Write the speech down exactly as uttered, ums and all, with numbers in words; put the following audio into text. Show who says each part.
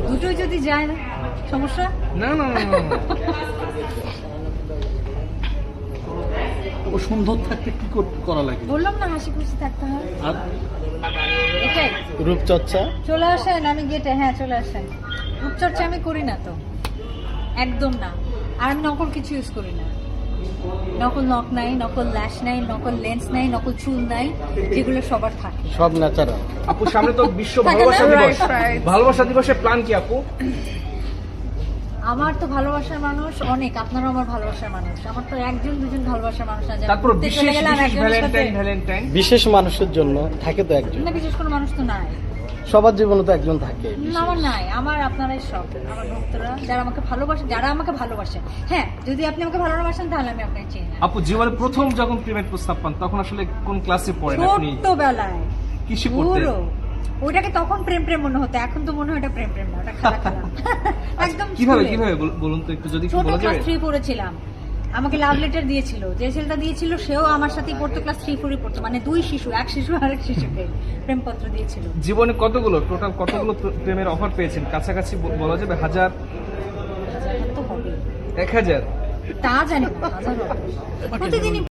Speaker 1: দুটোই যদি যায় না সমস্যা
Speaker 2: না না না না, না।
Speaker 3: ও সুন্দর থাকতে কি কর- করা লাগে?
Speaker 1: বললাম না হাসি খুশি থাকতে হয়
Speaker 3: আর
Speaker 1: এটাই।
Speaker 3: রূপচর্চা?
Speaker 1: চলে আসেন, আমি গেটে। হ্যাঁ চলে আসেন। রূপচর্চা আমি করি না তো, একদম না। আর আমি নকল কিছু ইউজ করি না। নকল নখ নাই, নকল ল্যাশ নাই, নকল লেন্স নাই, নকল চুল নাই, যেগুলো সবার থাকে।
Speaker 3: সব ন্যাচারাল।
Speaker 2: আপু সামনে তো বিশ্ব
Speaker 1: থাকে না?
Speaker 2: ভালোবাসা দিবস।
Speaker 1: Right, right.
Speaker 2: ভালোবাসা দিবসের প্ল্যান কি আপু?
Speaker 1: আমার তো ভালোবাসার মানুষ অনেক, আপনারও আমার ভালোবাসার মানুষ। আমার তো একজন দুজন ভালোবাসার মানুষ না, যে
Speaker 2: তারপর
Speaker 1: ঘুরতে
Speaker 2: বিশেষ
Speaker 1: চলে গেলাম
Speaker 2: বিশেষ
Speaker 1: একজনের সাথে।
Speaker 2: ভ্যালেন্টাইন ভ্যালেন্টাইন
Speaker 3: বিশেষ মানুষের জন্য থাকে তো একজন,
Speaker 1: না, বিশেষ কোনো মানুষ তো নাই।
Speaker 3: সবার জীবনে তো একজন থাকে।
Speaker 1: না, আমার নাই। আমার আপনারাই সব, আমার ভক্তরা যারা আমাকে ভালোবাসে, যারা আমাকে ভালোবাসে। হ্যাঁ, যদি আপনি আমাকে ভালোবাসেন তাহলে আমি আপনাকে চিনি না।
Speaker 2: আপু জীবনে প্রথম যখন প্রেমের প্রস্তাব পান তখন আসলে কোন ক্লাসে পড়েন আপনি?
Speaker 1: ছোট্টবেলায়
Speaker 2: কিসে পড়তেন?
Speaker 1: পুরো ওইটাকে তখন প্রেম প্রেম মনে হতো, এখন তো মনে হয় এটা প্রেম প্রেম না, ওটা খেলা খেলা। একদম
Speaker 2: কিভাবে
Speaker 1: স্কুলে।
Speaker 2: কিভাবে বল- বলুন তো একটু, যদি একটু
Speaker 1: ছোট
Speaker 2: বলা
Speaker 1: ক্লাস
Speaker 2: যাবে।
Speaker 1: থ্রি পড়েছিলাম, আমাকে লাভ লেটার দিয়েছিল। যে ছেলেটা দিয়েছিল সেও আমার সাথেই পড়তো, ক্লাস থ্রি ফোরই পড়তো। মানে দুই শিশু, এক শিশু আর এক শিশুকে প্রেমপত্র দিয়েছিল।
Speaker 2: জীবনে কতগুলো টোটাল কতগুলো প্র- প্রেমের অফার পেয়েছেন? কাছাকাছি ব- বলা যাবে হাজার,
Speaker 1: হাজার তো হবে,
Speaker 2: এক হাজার?
Speaker 1: তা জানি না, হাজার হবে। প্রতিদিনই